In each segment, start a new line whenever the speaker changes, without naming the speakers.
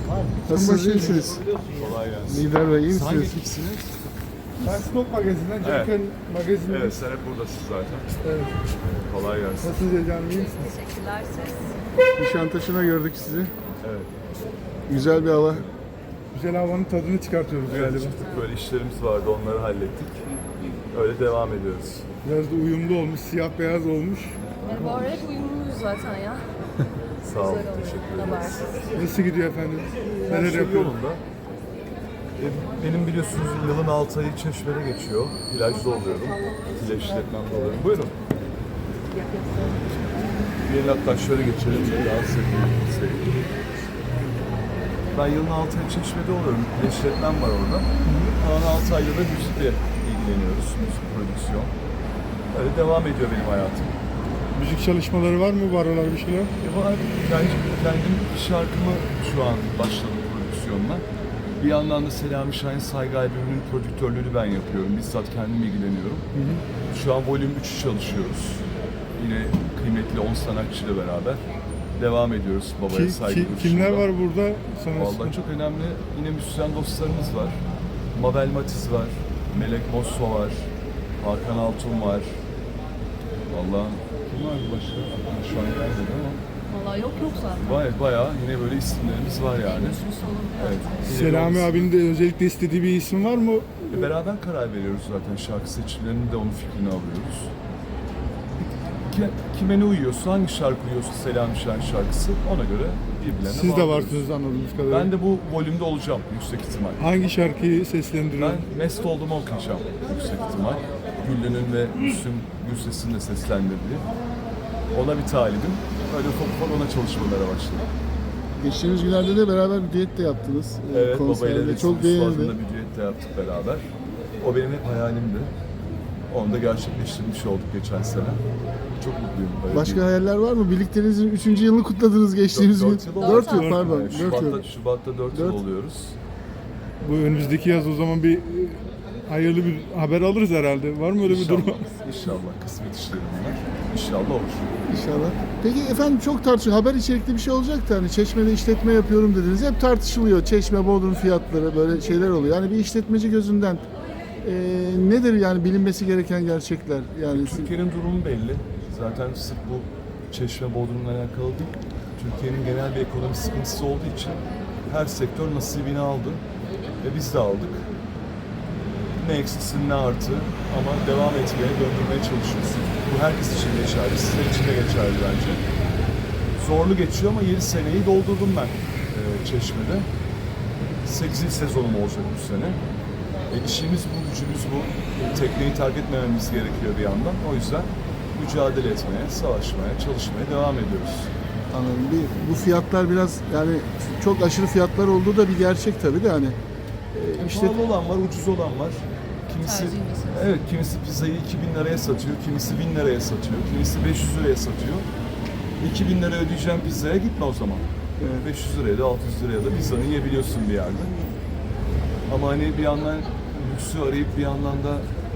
Nasılsınız, iyi misiniz?
Kolay gelsin.
Lider Bey, iyi
Hangi
misiniz?
ekipsiniz?
Ben Stok Magazin'den,
Evet.
Cemken Magazin'den.
Evet, sen hep buradasın zaten.
Evet.
Kolay gelsin.
Nasılsınız Ece'm, iyi misiniz?
Teşekkürler siz.
Nişantaşı'na gördük sizi.
Evet.
Güzel bir hava.
Güzel havanın tadını çıkartıyoruz
Evet,
galiba.
çıktık böyle işlerimiz vardı, onları hallettik. Öyle devam ediyoruz.
Biraz da uyumlu olmuş, siyah beyaz olmuş.
Bu ara hep uyumluyuz zaten ya.
Sağ olun,
Güzel oldu.
teşekkür ederiz.
Habersiz.
Nasıl gidiyor efendim?
Her
Neler
şey
yapıyor?
yolunda. Benim biliyorsunuz yılın 6 ayı Çeşme'de geçiyor. Plajda oluyorum. Plaj işletmemde oluyorum. Buyurun. Gelin hatta şöyle geçelim. Daha sevdiğim. Ben yılın 6 ayı Çeşme'de oluyorum. Plaj işletmem var orada. Kalan 6 ayda da müzikle ilgileniyoruz. Müzik prodüksiyon. Öyle devam ediyor benim hayatım.
Müzik çalışmaları var mı? Var olan bir şeyler?
Var. Kendim şarkımı şu an başladım prodüksiyonla. Bir yandan da Selami Şahin Saygı albümünün prodüktörlüğünü ben yapıyorum. Bizzat kendim ilgileniyorum. Şu an volüm 3'ü çalışıyoruz. Yine kıymetli 10 sanatçıyla beraber devam ediyoruz babaya saygı duruşunda.
Kimler var burada?
Vallahi çok önemli. Yine müzisyen dostlarımız var. Mabel Matiz var. Melek Mosso var. Hakan Altun var. Vallahi kim var başka? Şu an gelmedi ama.
Vallahi yok zaten.
Bayağı yine böyle isimlerimiz var yani. Evet.
Selami abinin de özellikle istediği bir isim var mı?
Beraber karar veriyoruz zaten şarkı seçimlerinde de onun fikrini alıyoruz. Kime ne uyuyorsa, hangi şarkı uyuyorsa Selami Şahin şarkısı ona göre birbirlerine
Siz de
bağlıyoruz.
varsınız anladığımız kadarıyla.
Ben de bu volümde olacağım yüksek ihtimal.
Hangi şarkıyı seslendiriyor?
Ben Mest Oldum'u okuyacağım yüksek ihtimal. Güllü'nün ve Müslüm Gürses'in de seslendirdiği. Ona bir talibim. Öyle ufak ona çalışmalara başladım.
Geçtiğimiz günlerde de beraber bir düet de yaptınız.
Evet,
Konserde.
babayla
çok
beğenildi.
beğenildi.
Bir düet de yaptık beraber. O benim hep hayalimdi. Onu da gerçekleştirmiş olduk geçen sene. Çok mutluyum. Böyle
Başka hayaller var mı? Birlikteliğinizin 3. yılını kutladınız geçtiğimiz gün. 4 yıl pardon. 4 yıl.
Şubat'ta 4 yıl
Dört.
oluyoruz.
Bu önümüzdeki yaz o zaman bir hayırlı bir haber alırız herhalde. Var mı öyle bir
İnşallah,
durum?
İnşallah kısmet işleri bunlar. İnşallah olur.
İnşallah. Peki efendim çok tartışılıyor. Haber içerikli bir şey olacaktı. Hani Çeşme'de işletme yapıyorum dediniz. Hep tartışılıyor. Çeşme, Bodrum fiyatları böyle şeyler oluyor. Yani bir işletmeci gözünden nedir yani bilinmesi gereken gerçekler? Yani
Türkiye'nin durumu belli. Zaten sırf bu Çeşme Bodrum'la alakalı değil. Türkiye'nin genel bir ekonomi sıkıntısı olduğu için her sektör nasibini aldı. Ve biz de aldık. Ne eksisin ne artı ama devam etmeye, döndürmeye çalışıyoruz. Bu herkes için geçerli, sizler için de geçerli bence. Zorlu geçiyor ama 7 seneyi doldurdum ben Çeşme'de. 8. sezonum olacak bu sene. İşimiz bu, gücümüz bu. Tekneyi terk etmememiz gerekiyor bir yandan. O yüzden mücadele etmeye, savaşmaya, çalışmaya devam ediyoruz.
anladım. Bu fiyatlar biraz yani çok aşırı fiyatlar olduğu da bir gerçek tabii de hani
Pahalı olan var, ucuz olan var. Kimisi,
Tercih meselesi.
evet, kimisi pizzayı 2000 liraya satıyor, kimisi 1000 liraya satıyor, kimisi 500 liraya satıyor. 2000 lira ödeyeceğim pizzaya gitme o zaman. 500 liraya da 600 liraya da pizzanı yiyebiliyorsun bir yerde. Ama hani bir yandan lüksü arayıp bir yandan da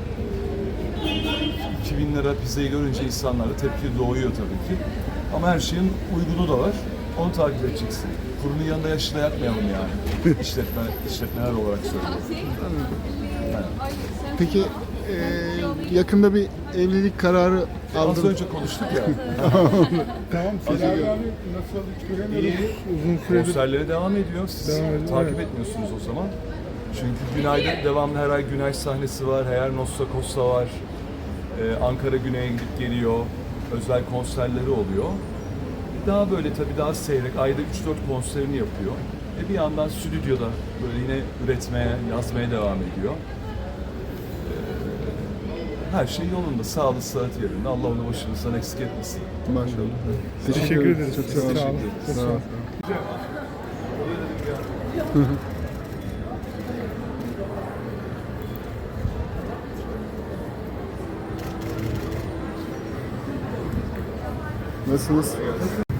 2000 lira pizzayı görünce insanlarda tepki doğuyor tabii ki. Ama her şeyin uygunu da var. Onu takip edeceksin. Kurunun yanında yaşı da yakmayalım yani. İşletmeler olarak söylüyorum. Yani.
peki yakında bir evlilik kararı
Az
aldınız.
önce konuştuk ya.
Tamam. Selami abi nasıl hiç göremiyoruz. Uzun süredir.
Konserlere devam ediyor. Siz
Devam ediyor,
takip
evet.
etmiyorsunuz o zaman. Çünkü Günay'da devamlı her ay Günay sahnesi var. Her ay Nostra Costa var. Ankara Güney'e gidip geliyor. Özel konserleri oluyor. Daha böyle tabii daha seyrek. Ayda 3-4 konserini yapıyor. Bir yandan stüdyoda böyle yine üretmeye, yazmaya devam ediyor. Her şey yolunda. Sağlığı, sıhhat yerinde. Allah onu başımızdan eksik etmesin.
Maşallah.
Teşekkür ederiz.
Çok sağ olun.
Sağ olun.
Sağ olun. Nasılsınız?